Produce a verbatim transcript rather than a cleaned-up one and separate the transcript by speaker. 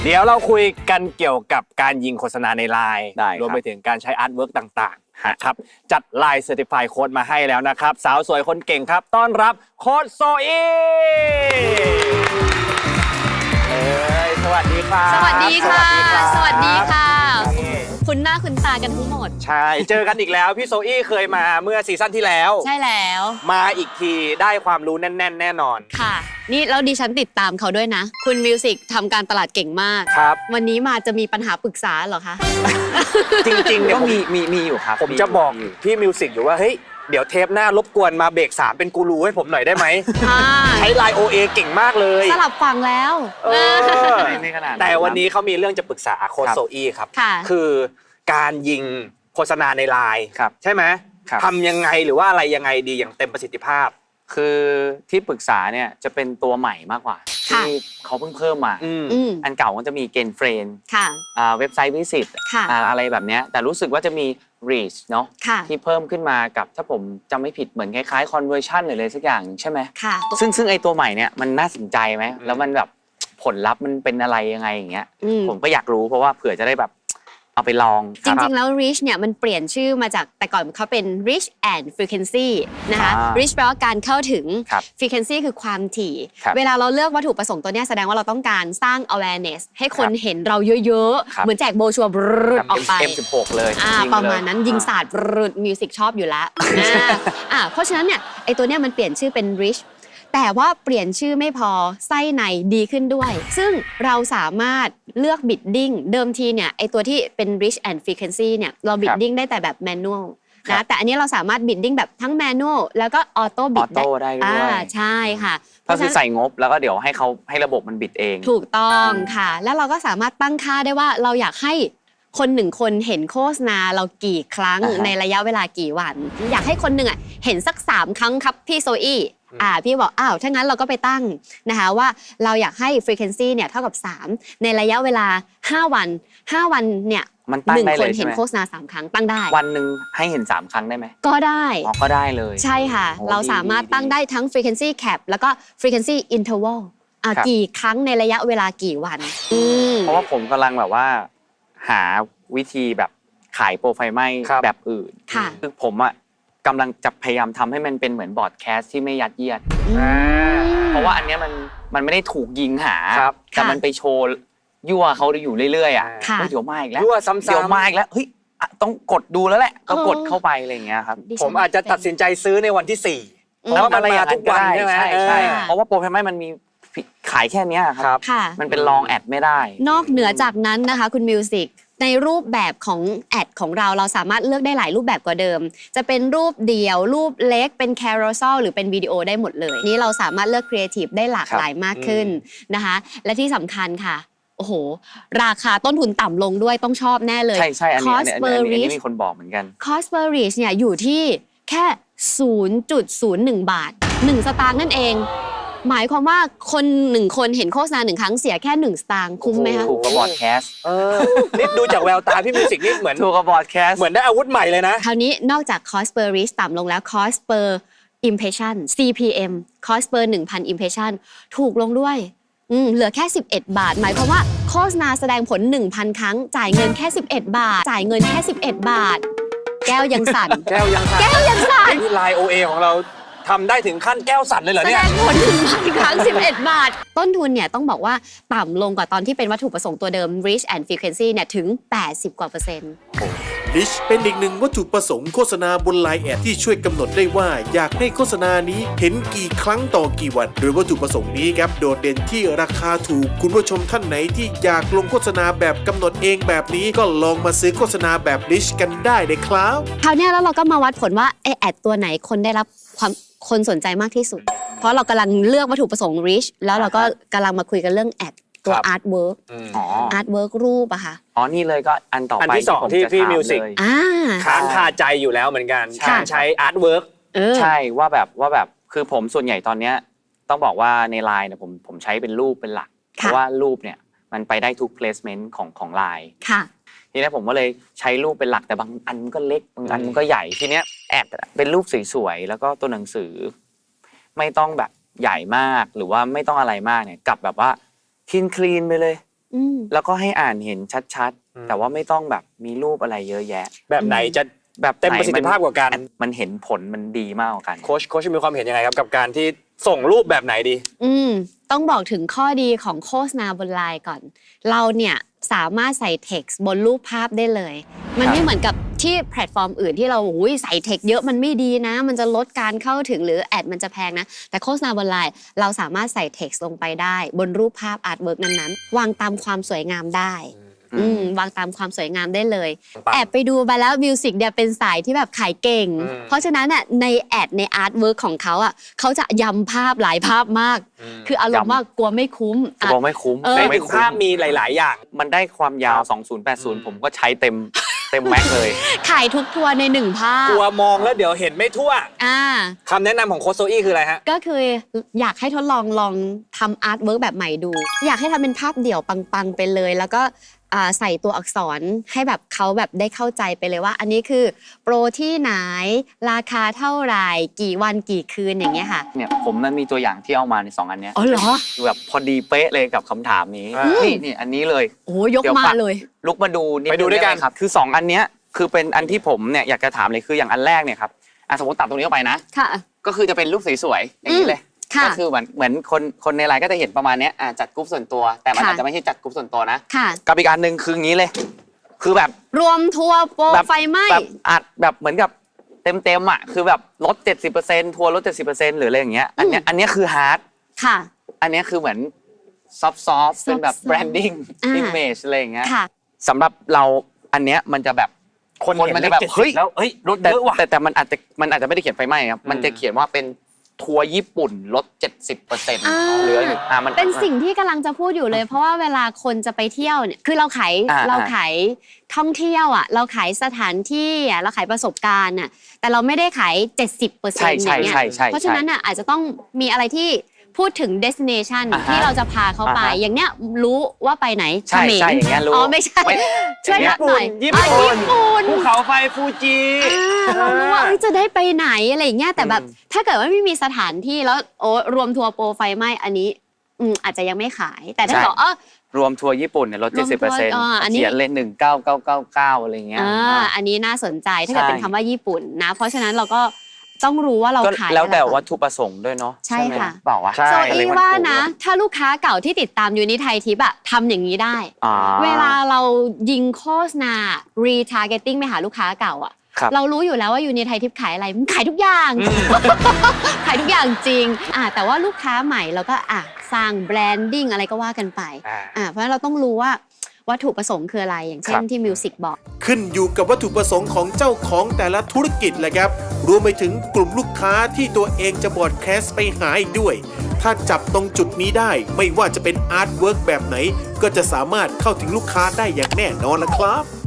Speaker 1: เดี๋ยวเราคุยกันเกี่ยวกับการยิงโฆษณาในไลน์
Speaker 2: ได้
Speaker 1: รวมไปถึงการใช้อาร์ตเวิร์กต่างๆนะครับจัดไลน์เซอร์ติฟายโค้ดมาให้แล้วนะครับสาวสวยคนเก่งครับต้อนรับโค้ดโซอีเอ้ยสวัสดีครับ
Speaker 3: สวัสดีค่ะ สวัสดีค่ะ
Speaker 1: นี่
Speaker 3: คุณหน้าคุณตากันทั้งหมด
Speaker 1: ใช่เจอกันอีกแล้วพี่โซอี้เคยมาเมื่อซีซั่นที่แล้ว
Speaker 3: ใช่แล้ว
Speaker 1: มาอีกทีได้ความรู้แน่น ๆ แน่นอน
Speaker 3: ค่ะ นี่แล้วดิฉันติดตามเขาด้วยนะ คุณมิวสิกทำการตลาดเก่งมาก
Speaker 1: ครับ
Speaker 3: วันนี้มาจะมีปัญหาปรึกษาเหรอคะ
Speaker 1: จริงๆเนี่ย
Speaker 2: ก็
Speaker 1: ผม
Speaker 2: มีมีมีอยู่ครับ
Speaker 1: ผมจะบอกพี่มิวสิกอยู่ว่าเฮ้ยเดี๋ยวเทปหน้ารบกวนมาเบรกสามเป็นกูรูให้ผมหน่อยได้ไหม
Speaker 3: อ่า
Speaker 1: ใช้ไลน์ โอ เอ เก่งมากเลย
Speaker 3: สลับฝั่งแล้ว
Speaker 1: เออ
Speaker 2: ไม่ไม่ขนาด
Speaker 1: แต่วันนี้เขามีเรื่องจะปรึกษาโค้ช
Speaker 2: ครับ
Speaker 1: โซอี้ครับ
Speaker 3: ค่ะ
Speaker 1: คือการยิงโฆษณาในไลน์
Speaker 2: ครับ
Speaker 1: ใช่ไหม
Speaker 2: ครับ
Speaker 1: ทำยังไงหรือว่าอะไรยังไงดีอย่างเต็มประสิทธิภาพ
Speaker 2: คือที่ปรึกษาเนี่ยจะเป็นตัวใหม่มากกว่า
Speaker 3: ค่ะ
Speaker 2: ที่เขาเพิ่งเพิ่มมา
Speaker 1: อืม
Speaker 3: อืม
Speaker 2: อันเก่าก็จะมีเกณฑ์เฟรน
Speaker 3: ค่ะ
Speaker 2: เว็บไซต์วิสิต
Speaker 3: ค่ะ
Speaker 2: อะไรแบบเนี้ยแต่รู้สึกว่าจะมี reach เนาะ
Speaker 3: ค่ะ
Speaker 2: ที่เพิ่มขึ้นมากับถ้าผมจำไม่ผิดเหมือนคล้ายๆ conversion หรืออะไรสักอย่างใช่ไหม
Speaker 3: ค่ะ
Speaker 2: ซึ่งซึ่งไอตัวใหม่เนี่ยมันน่าสนใจไหมแล้วมันแบบผลลัพธ์มันเป็นอะไรยังไงอย่างเงี้ย
Speaker 3: อืม
Speaker 2: ผมก็อยากรู้เพราะว่าเผื่อจะได้แบบเอาไปลอง
Speaker 3: จริงๆ แล้ว reach เนี่ยมันเปลี่ยนชื่อมาจากแต่ก่อนเขาเป็น reach and frequency นะคะ
Speaker 2: อ่า
Speaker 3: reach แปลว่าการเข้าถึง
Speaker 2: ครับ
Speaker 3: frequency คือความถี่
Speaker 2: ครับ
Speaker 3: เวลาเราเลือกวัตถุประสงค์ตัวเนี้ยแสดงว่าเราต้องการสร้าง awareness ให้คน
Speaker 2: ครับ
Speaker 3: เห็นเราเยอะ
Speaker 2: ครับ
Speaker 3: ๆ เหมือนแจกโบชัวร์บรึดออกไป
Speaker 2: เอ็มสิบหกเลย
Speaker 3: อ่า
Speaker 2: ยิง
Speaker 3: ประมาณนั้น
Speaker 2: เลย
Speaker 3: ยิง
Speaker 2: อ่า
Speaker 3: ศาสตร์บรึดมิวสิกชอบอยู่แล้วอ่าอ่าเพราะฉะนั้นเนี่ยไอตัวเนี้ยมันเปลี่ยนชื่อเป็น reach แต่ว่าเปลี่ยนชื่อไม่พอไส้ในดีขึ้นด้วย ซึ่งเราสามารถเลือก bidding เดิมทีเนี่ยไอตัวที่เป็น reach and frequency เนี่ยเรา bidding ได้แต่แบบ manual
Speaker 2: ครั
Speaker 3: นะ
Speaker 2: บ
Speaker 3: แต่อันนี้เราสามารถ bidding แบบทั้ง manual แล้วก็ auto
Speaker 2: ออ
Speaker 3: bid
Speaker 2: โต้ได้ด้วย
Speaker 3: อ่าใช่ค่ะ
Speaker 2: ก็คือใส่งบแล้วก็เดี๋ยวให้เขาให้ระบบมันบิดเอง
Speaker 3: ถูกต้องค่ะ แล้วเราก็สามารถตั้งค่าได้ว่าเราอยากให้คนหนึ่งคนเห็นโฆษณาเรากี่ครั้ง
Speaker 2: อ่าฮะ
Speaker 3: ในระยะเวลากี่วัน อยากให้คนหนึ่งอ่ะเห็นสักสามครั้งครับพี่โซอี้อ่าพี่บอกอ้าวถ้างั้นเราก็ไปตั้งนะคะว่าเราอยากให้ frequency เนี่ยเท่ากับสามในระยะเวลาห้าวันห้าวันเนี่ย
Speaker 2: มันตั้ง
Speaker 3: หนึ่ง
Speaker 2: ได้
Speaker 3: ค
Speaker 2: เล
Speaker 3: น
Speaker 2: ยใช่
Speaker 3: เห็น
Speaker 2: ไหม
Speaker 3: โฆษณาสามครั้งตั้งได้
Speaker 2: วันหนึ่งให้เห็นสามครั้งได้ไหม
Speaker 3: ก็ได้
Speaker 2: อ๋อก็ได้เลย
Speaker 3: ใช่ค่ะ
Speaker 2: โอ้
Speaker 3: เราสามารถ
Speaker 2: ดี
Speaker 3: ตั้งได้ทั้ง frequency cap แล้วก็ frequency interval อ่ะ
Speaker 2: ครับ
Speaker 3: กี่ครั้งในระยะเวลากี่วันอืม
Speaker 2: เพราะว่าผมกำลังแบบว่า หาวิธีแบบขายโปรไฟล์ไหม้
Speaker 1: ครับ
Speaker 2: แบบอื่น
Speaker 3: ค่ะ
Speaker 2: คือผมอ่ะกำลังจะพยายามทำให้มันเป็นเหมือนบอร์ดแคสต์ที่ไม่ยัดเยียด
Speaker 1: อ่า
Speaker 2: เพราะว่าอันเนี้ยมันมันไม่ได้ถูกยิงหา
Speaker 1: ครับ
Speaker 2: แต่
Speaker 3: ค่ะ
Speaker 2: มันไปโชว์ยั่วเขาอยู่เรื่อยๆอ่ะ
Speaker 3: ค่ะ
Speaker 2: เฮ้ยเดี๋ยวมาอีกแล้ว
Speaker 1: ยั่วซ้ำๆ
Speaker 2: เดี๋ยวมาอีกแล้วเฮ้ยอ่ะต้องกดดูแล้วแหละก็
Speaker 3: เออ
Speaker 2: กดเข้าไปอะไรอย่างเงี้ยครับ
Speaker 3: ดิฉัน
Speaker 1: ผมอาจจะตัดสินใจซื้อในวันที่สี่
Speaker 3: อืม
Speaker 1: เพราะว่ามันมาทุกวันใช่ไหม
Speaker 2: ใช่ใช่
Speaker 3: เออ
Speaker 2: เพราะว่าโปรไฟล์ไหม้มันมีขายแค่เนี้ยค
Speaker 1: ครั
Speaker 2: รับ
Speaker 3: ค่ะ
Speaker 2: มันเป็นลองแอดไม่ได้
Speaker 3: นอกเหนือจากนั้นนะคะคุณมิวสิกในรูปแบบของแอดของเราเราสามารถเลือกได้หลายรูปแบบกว่าเดิม จะเป็นรูปเดี่ยว รูปเล็กเป็นแคโรเซลหรือเป็นวิดีโอได้หมดเลย นี่เราสามารถเลือกครีเอทีฟได้หลากหลายมากขึ้นนะคะ และที่สำคัญค่ะ โอ้โห ราคาต้นทุนต่ำลงด้วยต้องชอบแน่เลย
Speaker 2: ใช่ใช่อันนี้อัน
Speaker 3: cost
Speaker 2: นี้อัน
Speaker 3: per
Speaker 2: นี้อันนี้
Speaker 3: reach
Speaker 2: มีคนบอกเหมือนกัน
Speaker 3: cost per reach เนี่ยอยู่ที่แค่ ศูนย์จุดศูนย์หนึ่ง บาท หนึ่ง สตางค์นั่นเอง หมายความว่าคนหนึ่งคนเห็นโฆษณาหนึ่งครั้งเสียแค่หนึ่งสตางค์คุ้มไหมคะ
Speaker 2: ถูกกับบอร์ดแคสต์
Speaker 1: เออนี่ดูจากแววตาพี่มิวสิกนี่เหมือน
Speaker 2: ถูกกับบอร์ดแคสต์
Speaker 1: เหมือนได้อาวุธใหม่เลยนะ
Speaker 3: คราวนี้นอกจาก cost per reach ต่ำลงแล้ว cost per impression ซี พี เอ็ม cost per หนึ่งพัน impression ถูกลงด้วยอืมเหลือแค่สิบเอ็ดบาท หมายความว่าโฆษณาแสดงผล หนึ่งพัน ครั้ง จ่ายเงินแค่สิบเอ็ดบาท จ่ายเงินแค่สิบเอ็ดบาท แก้วยังสั่น
Speaker 1: แก้วยังสั่น
Speaker 3: แก้วยังสั่น
Speaker 1: นี่ไลน์ โอ เอ ของเราทำได้ถึงขั้นแก้วสั่นเลยเหรอ
Speaker 3: แส
Speaker 1: เนี่
Speaker 3: ด
Speaker 1: ย
Speaker 3: งผล หนึ่งพัน ครั้ง สิบเอ็ดบาท ต้นทุนเนี่ยต้องบอกว่าต่ำลงกว่าตอนที่เป็นวัตถุประสงค์ตัวเดิม reach and frequency เนี่ยถึง แปดสิบ กว่าเปอร์เซ็นต์
Speaker 4: ลิชเป็นอีกหนึ่งวัตถุประสงค์โฆษณาบนไลน์แอดที่ช่วยกำหนดได้ว่าอยากให้โฆษณานี้เห็นกี่ครั้งต่อกี่วัน โดยวัตถุประสงค์นี้ครับโดดเด่นที่ราคาถูกคุณผู้ชมท่านไหนที่อยากลงโฆษณาแบบกำหนดเองแบบนี้ก็ลองมาซื้อโฆษณาแบบลิชกันได้เลยครับ
Speaker 3: คราวเนี้ยแล้วเราก็มาวัดผลว่าไอแอดตัวไหนคนได้รับความคนสนใจมากที่สุด เพราะเรากำลังเลือกวัตถุประสงค์ reach แล้วเราก็กำลังมาคุยกันเรื่องแอดตัว
Speaker 1: ครับ
Speaker 3: artwork
Speaker 2: อ๋อ
Speaker 3: artwork รูปอะค่ะ
Speaker 2: อ๋อ นี่เลยก็อันต่อ
Speaker 1: อัน
Speaker 2: ไป
Speaker 1: ที่สอง
Speaker 2: ผม
Speaker 1: ที่
Speaker 2: จะ
Speaker 1: พี่
Speaker 2: ถา
Speaker 1: มิวสิก
Speaker 2: เลย
Speaker 3: อ่า
Speaker 1: ค้างคาใจอยู่แล้วเหมือนกัน
Speaker 3: ค่ะ
Speaker 1: การใช้อาร์ตเวิร์ก
Speaker 3: เออ
Speaker 2: ใช่ว่าแบบว่าแบบคือผมส่วนใหญ่ตอนเนี้ยต้องบอกว่าในไลน์เนี่ยผมผมใช้เป็นรูปเป็นหลัก เพราะว่ารูปเนี่ยมันไปได้ทุก placement ของของไลน์
Speaker 3: ค่ะ
Speaker 2: ทีนี้ผมก็เลยใช้รูปเป็นหลักแต่บางอันมันก็เล็กบางอันมันก็ใหญ่ทีเนี้ยแอดเป็นรูปสวยๆแล้วก็ตัวหนังสือ ไม่ต้องแบบใหญ่มากหรือว่าไม่ต้องอะไรมากเนี่ยกลับแบบว่าคลีนคลีนไปเลย
Speaker 3: อืม
Speaker 2: แล้วก็ให้อ่านเห็นชัด
Speaker 1: อืม
Speaker 2: ๆ แต่ว่าไม่ต้องแบบมีรูปอะไรเยอะแยะ
Speaker 1: แบบไหนจะ
Speaker 2: แบบ
Speaker 1: เต็มประสิทธิภาพกว่ากัน
Speaker 2: มันเห็นผลมันดีมากกว่ากัน
Speaker 1: โค้ชโค้ชมีความเห็นยังไงครับกับการที่ส่งรูปแบบไหนดี
Speaker 3: อืมต้องบอกถึงข้อดีของโฆษณาบนไลน์ก่อน เราเนี่ยสามารถใส่ text บนรูปภาพได้เลย มันไม่เหมือนกับที่แพลตฟอร์มอื่นที่เราอุ้ยใส่ text เยอะมันไม่ดีนะ มันจะลดการเข้าถึงหรือแอดมันจะแพงนะ แต่โฆษณาบนไลน์เราสามารถใส่ text ลงไปได้ บนรูปภาพอาร์ตเวิร์กนั้นๆ วางตามความสวยงามได้ อืมวางตามความสวยงามได้เลย
Speaker 1: ปัง
Speaker 3: แอบไปดูมาแล้วมิวสิกเนี่ยเป็นสายที่แบบขายเก่ง
Speaker 1: อืม
Speaker 3: เพราะฉะนั้นน่ะในแอดในอาร์ตเวิร์กของเขาอ่ะเขาจะยำภาพหลายภาพมาก คืออารมณ์ว่ากลัวไม่คุ้ม
Speaker 2: จะ
Speaker 3: อ่ะ
Speaker 2: บอกไม่คุ้ม
Speaker 3: เออ
Speaker 1: ใน
Speaker 2: ไม่
Speaker 1: ถึง
Speaker 2: คุ้
Speaker 1: ภาพ
Speaker 2: ม
Speaker 1: มีหลาย ๆ อย่าง
Speaker 2: มันได้ความยาว
Speaker 1: ครับ
Speaker 2: สองพันแปดสิบ ผมก็ใช้เต็มเต็มแม็กเลย
Speaker 3: ขายทุกทัวร์ในหนึ่งภาพ
Speaker 1: กลัวมองแล้วเดี๋ยวเห็นไม่ทั่ว
Speaker 3: อ่า
Speaker 1: คำแนะนำของโค้ชโซอี้คืออะไรฮะ
Speaker 3: ก็คืออยากให้ทดลองลองทำอาร์ตเวิร์กแบบใหม่ดู อยากให้ทำเป็นภาพเดี่ยวปังๆไปเลย แล้วก็อ่าใส่ตัวอักษรให้แบบเขาแบบได้เข้าใจไปเลยว่า อันนี้คือโปรที่ไหนราคาเท่าไหร่กี่วันกี่คืนอย่างเงี้ยค่ะ
Speaker 2: เนี่ยผมมันมีตัวอย่างที่เอามาในสองอันเนี้ย
Speaker 3: อ๋อเหรอ
Speaker 2: คือแบบพอดีเป๊ะเลยกับคำถามนี้
Speaker 1: อืม
Speaker 2: นี่นี่อันนี้เลย
Speaker 3: โอ้ยก
Speaker 2: เดี๋ยว
Speaker 3: มา
Speaker 2: ฝาก
Speaker 3: เลย
Speaker 2: ลุกมาดูนิ
Speaker 1: ไปดูด้วยกัน
Speaker 2: งไไหมครับคือสองอันเนี้ยคือเป็นอันที่ผมเนี่ยอยากจะถามเลยคืออย่างอันแรกเนี่ยครับอ่ะสมมติตัดตรงนี้เข้าไปนะ
Speaker 3: ค่ะ
Speaker 2: ก็คือจะเป็นรูปสวยๆอย่างนี้เลย
Speaker 3: ค่ะ
Speaker 2: ก็คือเหมือนเหมือนคนคนในไลน์ก็จะเห็นประมาณเนี้ยอ่ะจัดกรุ๊ปส่วนตัว แต่มัน
Speaker 3: ค่ะ
Speaker 2: อาจจะไม่ใช่จัดกรุ๊ปส่วนตัวนะ
Speaker 3: ค่ะ
Speaker 2: กับอีกอันหนึ่งคืออย่างนี้เลย คือแบบ
Speaker 3: รวมทัวร์โปร
Speaker 2: แบบ
Speaker 3: ไฟไหม้
Speaker 2: แบบอัดแบบเหมือนกับเต็มเต็มๆอ่ะคือแบบลด เจ็ดสิบเปอร์เซ็นต์ ทัวร์ลด เจ็ดสิบเปอร์เซ็นต์ หรืออะไรอย่างเงี้ยอันเนี้ย
Speaker 3: อืม
Speaker 2: อันเนี้ยคือฮาร์ด
Speaker 3: ค่ะ
Speaker 2: อันเนี้ยคือเหมือนซอฟต์ซอฟเป็นแบบ
Speaker 3: soft-soft
Speaker 2: แบรนดิ้ง
Speaker 3: อ่า
Speaker 2: อิมเมจอะไรอย่างเงี้ย
Speaker 3: ค่ะ
Speaker 2: สำหรับเราอันเนี้ยมันจะแบบ
Speaker 1: คน
Speaker 2: คน
Speaker 1: เห็น
Speaker 2: มัน
Speaker 1: เล
Speaker 2: จะ
Speaker 1: ข
Speaker 2: แบบ
Speaker 1: เจ็ด
Speaker 2: เฮ้
Speaker 1: สิ
Speaker 2: ย
Speaker 1: บแล้วเฮ้ยลด
Speaker 2: แต่
Speaker 1: เยอะว่ะ
Speaker 2: แต่แต่มันอาจจะมันอาจจะไม่ได้เขียนไฟไหม้ครับ มันจะเขียนว่าเป็นทัวร์ญี่ปุ่นลด เจ็ดสิบเปอร์เซ็นต์
Speaker 3: อ่า
Speaker 2: เหลืออยู่อ่ามัน
Speaker 3: เป็นสิ่งที่กำลังจะพูดอยู่เลย เพราะว่าเวลาคนจะไปเที่ยวเนี่ยคือเราขาย
Speaker 2: อ่า
Speaker 3: เราขายท่องเที่ยวอ่ะเราขายสถานที่อ่ะเราขายประสบการณ์อ่ะแต่เราไม่ได้ขาย เจ็ดสิบเปอร์เซ็น
Speaker 2: ใช่
Speaker 3: ต์อ
Speaker 2: ใช่
Speaker 3: ย่างเงี้ย
Speaker 2: ใช่ใช่
Speaker 3: เพราะฉะนั้นอ่ะอาจจะต้องมีอะไรที่พูดถึง destination
Speaker 2: อ่าฮะ
Speaker 3: ที่เราจะพาเขาไป
Speaker 2: อ่าฮะ
Speaker 3: อย่างเนี้ยรู้ว่าไปไหน
Speaker 2: ใช่
Speaker 3: เขมร
Speaker 2: ใช่อย่างเงี้ยรู้
Speaker 3: อ๋อไม่ใช่
Speaker 2: ไม่
Speaker 3: ช่วย
Speaker 2: อย่างเงี้
Speaker 3: นั
Speaker 2: ย
Speaker 3: บหน่อย
Speaker 1: ญี่
Speaker 3: อ่ะ
Speaker 1: ปุ่น
Speaker 3: ญี่ปุ่น
Speaker 1: ภูเขาไฟฟูจิ
Speaker 3: อ่าเรารู้ว่าเอ้ยจะได้ไปไหนอะไรอย่างเงี้ยแต่แบบ
Speaker 2: อืม
Speaker 3: ถ้าเกิดว่าไม่มีสถานที่แล้วโอ้รวมทัวร์โปรไฟไหม้อันนี้อืมอาจจะยังไม่ขาย แต่ถ้าบอกเออ
Speaker 2: รวมทัวร์ญี่ปุ่นเนี่ยลด
Speaker 3: ร
Speaker 2: เจ็
Speaker 3: ว
Speaker 2: ด
Speaker 3: ม
Speaker 2: สิบเปอร์เซ็นต์
Speaker 3: ทัวร์อ่าอันนี้
Speaker 2: เขียนเลยหนึ่งเก้าเก้าเก้าเก้าอะไรเงี้ย
Speaker 3: อ่าอันนี้น่าสนใจถ้าเกิด
Speaker 2: ใช่
Speaker 3: เป็นคำว่าญี่ปุ่นนะ เพราะฉะนั้นเราก็ต้องรู้ว่าเรา
Speaker 2: ก็
Speaker 3: ขาย
Speaker 2: แล้วแต่
Speaker 3: อะไรก่อน
Speaker 2: วัตถุประสงค์ด้วยเนาะ
Speaker 3: ใช่
Speaker 2: ไหม
Speaker 3: ค่ะ
Speaker 2: เปล่าวะ
Speaker 1: ใช่
Speaker 3: โซ
Speaker 2: อะไร
Speaker 3: อี
Speaker 2: มัน
Speaker 3: ว่า
Speaker 2: ถูก
Speaker 3: นะ ถ้าลูกค้าเก่าที่ติดตามยูนิไทยทิปอะทำอย่างนี้ได้
Speaker 2: อ่า
Speaker 3: เวลาเรายิงโฆษณา retargeting ไปหาลูกค้าเก่าอะ
Speaker 2: ครับ
Speaker 3: เรารู้อยู่แล้วว่ายูนิไทยทิปขายอะไรมันขายทุกอย่าง ขายทุกอย่างจริงอ่ะแต่ว่าลูกค้าใหม่เราก็อ่ะสร้างแบรนดิ้งอะไรก็ว่ากันไป
Speaker 1: อ่า
Speaker 3: อ่ะเพราะฉะนั้นเราต้องรู้ว่าวัตถุประสงค์คืออะไรอย่างเช่นที่มิวสิกบอก
Speaker 4: ขึ้นอยู่กับวัตถุประสงค์ของเจ้าของแต่ละธุรกิจแหละครับ รวมไปถึงกลุ่มลูกค้าที่ตัวเองจะบอดแคสต์ไปหาอีกด้วย ถ้าจับตรงจุดนี้ได้ไม่ว่าจะเป็นอาร์ตเวิร์กแบบไหน ก็จะสามารถเข้าถึงลูกค้าได้อย่างแน่นอนละครับ